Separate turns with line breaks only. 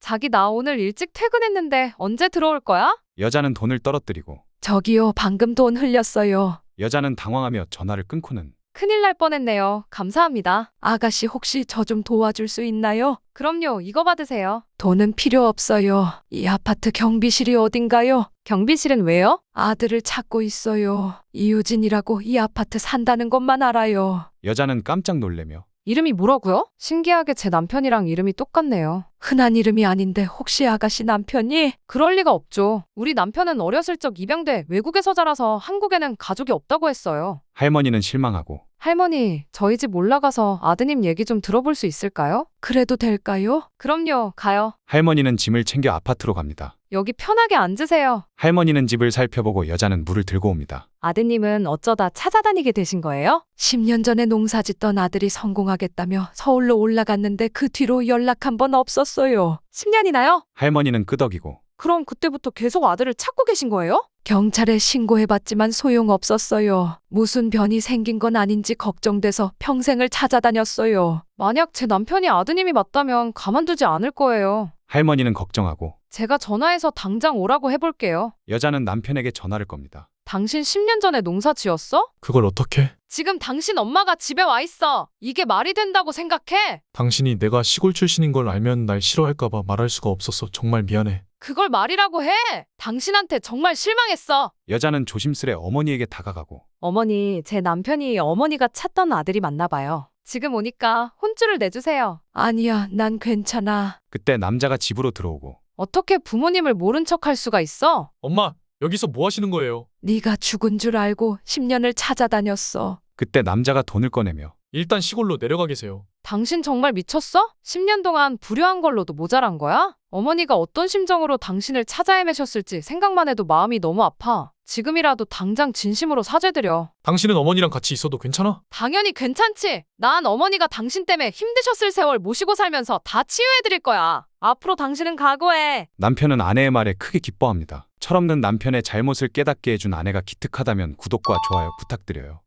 자기 나 오늘 일찍 퇴근했는데 언제 들어올 거야?
여자는 돈을 떨어뜨리고
저기요, 방금 돈 흘렸어요.
여자는 당황하며 전화를 끊고는
큰일 날 뻔했네요. 감사합니다.
아가씨 혹시 저 좀 도와줄 수 있나요?
그럼요. 이거 받으세요.
돈은 필요 없어요. 이 아파트 경비실이 어딘가요?
경비실은 왜요?
아들을 찾고 있어요. 이유진이라고 이 아파트 산다는 것만 알아요.
여자는 깜짝 놀래며
이름이 뭐라고요? 신기하게 제 남편이랑 이름이 똑같네요.
흔한 이름이 아닌데 혹시 아가씨 남편이?
그럴 리가 없죠. 우리 남편은 어렸을 적 입양돼 외국에서 자라서 한국에는 가족이 없다고 했어요.
할머니는 실망하고
할머니, 저희 집 올라가서 아드님 얘기 좀 들어볼 수 있을까요?
그래도 될까요?
그럼요, 가요.
할머니는 짐을 챙겨 아파트로 갑니다.
여기 편하게 앉으세요.
할머니는 집을 살펴보고 여자는 물을 들고 옵니다.
아드님은 어쩌다 찾아다니게 되신 거예요?
10년 전에 농사 짓던 아들이 성공하겠다며 서울로 올라갔는데 그 뒤로 연락 한 번 없었어요.
10년이나요?
할머니는 끄덕이고
그럼 그때부터 계속 아들을 찾고 계신 거예요?
경찰에 신고해봤지만 소용없었어요. 무슨 변이 생긴 건 아닌지 걱정돼서 평생을 찾아다녔어요.
만약 제 남편이 아드님이 맞다면 가만두지 않을 거예요.
할머니는 걱정하고
제가 전화해서 당장 오라고 해볼게요.
여자는 남편에게 전화를 겁니다.
당신 10년 전에 농사 지었어?
그걸 어떻게?
지금 당신 엄마가 집에 와 있어. 이게 말이 된다고 생각해?
당신이 내가 시골 출신인 걸 알면 날 싫어할까봐 말할 수가 없었어. 정말 미안해.
그걸 말이라고 해. 당신한테 정말 실망했어.
여자는 조심스레 어머니에게 다가가고
어머니, 제 남편이 어머니가 찾던 아들이 맞나 봐요. 지금 오니까 혼쭐을 내주세요.
아니야, 난 괜찮아.
그때 남자가 집으로 들어오고
어떻게 부모님을 모른 척 할 수가 있어?
엄마, 여기서 뭐 하시는 거예요?
네가 죽은 줄 알고 10년을 찾아다녔어.
그때 남자가 돈을 꺼내며
일단 시골로 내려가 계세요.
당신 정말 미쳤어? 10년 동안 불효한 걸로도 모자란 거야? 어머니가 어떤 심정으로 당신을 찾아 헤매셨을지 생각만 해도 마음이 너무 아파. 지금이라도 당장 진심으로 사죄드려.
당신은 어머니랑 같이 있어도 괜찮아?
당연히 괜찮지. 난 어머니가 당신 때문에 힘드셨을 세월 모시고 살면서 다 치유해드릴 거야. 앞으로 당신은 각오해.
남편은 아내의 말에 크게 기뻐합니다. 철없는 남편의 잘못을 깨닫게 해준 아내가 기특하다면 구독과 좋아요 부탁드려요.